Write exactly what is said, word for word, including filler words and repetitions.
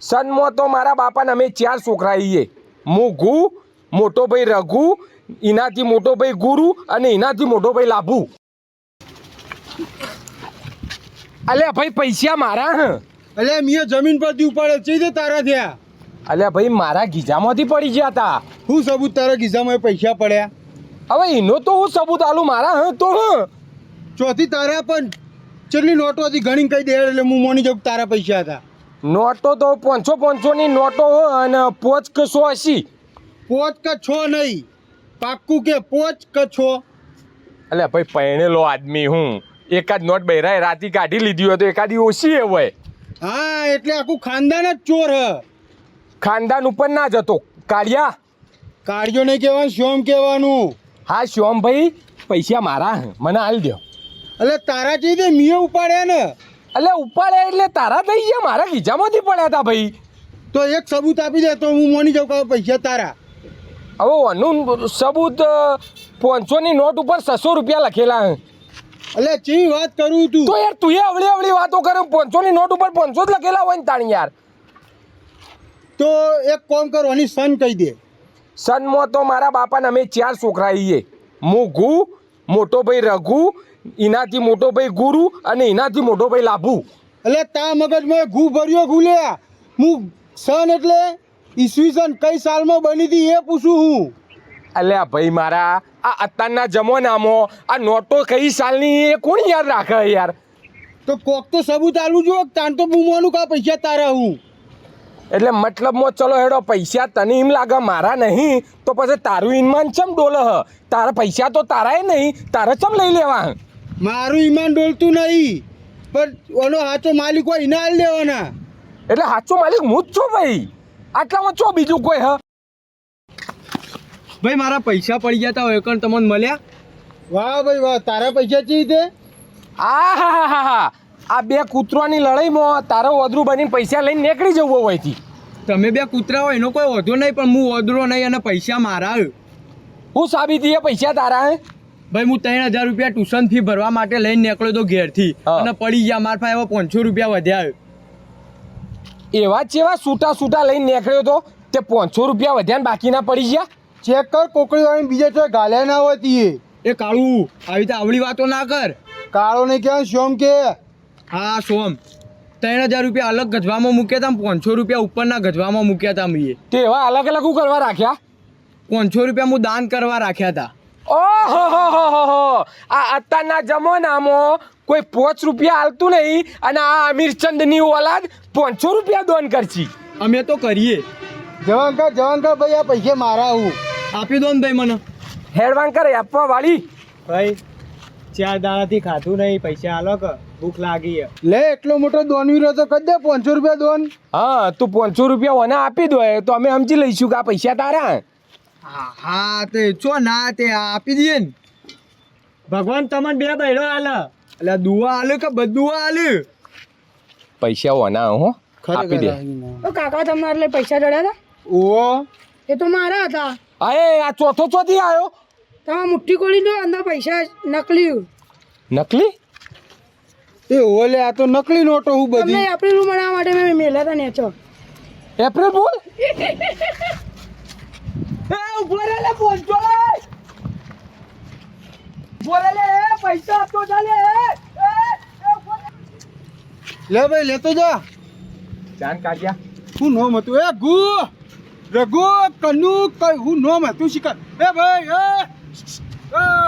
સનમાં તો મારા બાપાને અમે ચાર છોકરા છીએ. હું ઘુ, મોટો ભાઈ રઘુ, એનાથી મોટો ભાઈ ગુરુ અને એનાથી મોટો ભાઈ લાભુ. અલ્યા ભાઈ પૈસા મારા હ. અલ્યા મિયા જમીન પરથી ઉપાડે છે તે તારા થયા. અલ્યા ભાઈ મારા ગીજામાંથી પડી ગયા હતા. શું સબૂત તારા ગીઝામાં પૈસા પડ્યા? હવે એનો તો હું સબૂત આલું મારા હ તો હ. ચોથી તારા પણ ચેટલી નોટો હતી ગણી કહી દે એટલે હું મોની જાઉં કે તારા પૈસા હતા. નોટો તો પાંચસો પાંચસો ની નોટો હો અને પોચ કે સો અસી. પોચ કે છો નહીં, પાક્કું કે પોચ કે છો. અલ્યા ભાઈ પહેણેલો આદમી હું એકાદ નોટ બહેરાય રાતી કાઢી લીધી હોય તો એકાદી ઓછી એ હોય. હા એટલે આખું ખાનદાન જ ચોર હ. ખાનદાન ઉપર ના જતો કાઢ્યા. કાળજો નહીં કહેવાનું, શ્યોમ કહેવાનું. હા શ્યોમભાઈ પૈસા મારા હે, મને હાલ દો. એટલે તારા ચી દે મિયે ઉપાડ્યા ને. એટલે ઉપાડ્યા એટલે તારા થઈ ગયા, મારા ખીચામાંથી પડ્યા હતા ભાઈ. તો એક સબૂત આપી દે તો હું મોની જાઉં કે પૈસા તારા. હવે આનું સબૂત પાંચસો ની નોટ ઉપર છસો રૂપિયા લખેલા હે. એટલે ચી વાત કરું તું તો યાર તું એ અવળી અવળી વાતો કરે. પાંચસો ની નોટ ઉપર પાંચસો જ લખેલા હોય ને તાણી યાર. તો એક કામ કરવાની સન કહી દે. સનમાં તો મારા બાપાને અમે ચાર છોકરા છીએ. હું ઘુ, મોટો ભાઈ રઘુ, એનાથી મોટો ભાઈ ગુરુ અને એનાથી મોટો ભાઈ લાભુ. એટલે તા મગજમાં ઘૂ ભર્યો ઘૂલ્યા. હું સન એટલે ઈસવીસન કઈ સાલમાં બની હતી એ પૂછું હું. અલ્યા ભાઈ મારા આ અત્યારના જમાનામાં આ નોટો કઈ સાલની એ કોણ યાદ રાખે યાર. તો કોક તો સબૂત આલું જો તાન તો બૂમવાનું કા પૈસા તારા હું. એટલે મતલબમાં ચલો હેડો પૈસા તને એમ લાગે મારા નહીં તો પછી તારું ઈમાન ચમ ડોલે હ. તારા પૈસા તો તારાય નહીં, તારે ચમ લઈ લેવા. મારું ઈમાન ડોલતું નહીં પણ ઓનો સાચો માલિક હોય એને હાલ દેવાના. એટલે સાચો માલિક હું જ છું ભાઈ. આટલામાં ચો બીજું કોઈ હ. ભાઈ મારા પૈસા પડી ગયા તા એકણ તમને મળ્યા. વાહ ભાઈ વાહ, તારા પૈસા ચી દે. આ હા હા હા હા આ બે કૂતરાની લડાઈમાં તારો ઓદરું બનીને પૈસા લઈને નીકળી જવું હોયથી. તમે બે કૂતરા હોય એનો કોઈ વધુ નહીં પણ હું ઓદરો નહીં અને પૈસા મારા. હું સાબિતી એ પૈસા તારા હે. ભાઈ હું ત્રણ હજાર રૂપિયા ટ્યુશન ફી ભરવા માટે લઈને નીકળ્યો તો ઘેરથી અને પડી ગયા મારા પાસે હવે પાંચસો રૂપિયા વધ્યા. એવા ચેવા છૂટા છૂટા લઈને નીકળ્યો તો તે પાંચસો રૂપિયા વધ્યા બાકીના પડી ગયા. ચેક કર કોકડી વાળી બીજા તો ગાલ્યા ના હોતી. એ કાળું આવી રીતે આવડી વાતો ના કર. કાળો ને ક્યાં શ્યોમ કે. હા સોમ ત્રણ હજાર રૂપિયા અલગ ગજવામાં મૂક્યા હતા, પાંચસો રૂપિયા ઉપરના ગજવામાં મૂક્યા હતા મેં. તે એવા અલગ અલગ હું કરવા રાખ્યા. પાંચસો રૂપિયા હું દાન કરવા રાખ્યા હતા. ઓહો હો હો હો હો આ અત્યારના જમાનામાં કોઈ પાંચ રૂપિયા હાલતું નહીં અને આ અમીરચંદની ઓલાદ પાંચસો રૂપિયા દાન કરશી. અમે તો કરીએ. જવાન કર જવાન કર ભાઈ આ પૈસા મારા હું. આપી દો ને ભાઈ મને. હેડવાન કરે આપવા વાળી. ભાઈ ચાર દાડાથી ખાધું નહીં, પૈસા આલો કે ભૂખ લાગી. લે એટલો મોટો દોન વીરો તો કરી દે પાંચસો રૂપિયા દોન. હા તું પાંચસો રૂપિયા ઓને આપી દો તો અમે સમજી લઈશું કે આ પૈસા તારા. હા હા તે ચો ના તે આપી દઈએ ને. ભગવાન તમને બે બહેરો આલે એટલે દુઆ આલે કે બધું આલે. પૈસા ઓના હો આપી દે. તો કાકા તમારે એટલે પૈસા ચડ્યા હતા? ઓહો એ તો મારા હતા. અરે આ ચોથો ચોથી આવ્યો. તમે મુઠ્ઠી ખોલી દો અંદર પૈસા નકલી. નકલી એ ઓલે આ તો નકલી નોટો હું બધી. તમને એપ્રિલ બનાવવા માટે મેં મેલ્યા હતા નેચો. એપ્રિલ બોલ. એ ઉભો રે લે પહોંચો લે. ઉભો રે લે પૈસા આપતો ચાલે. લે ભાઈ લેતો જા. જાન કાઢ્યા. હું નોમ હતું એ ગુ રઘુ કનુ કઈ હું નોમ હતું શિકાર. એ ભાઈ એ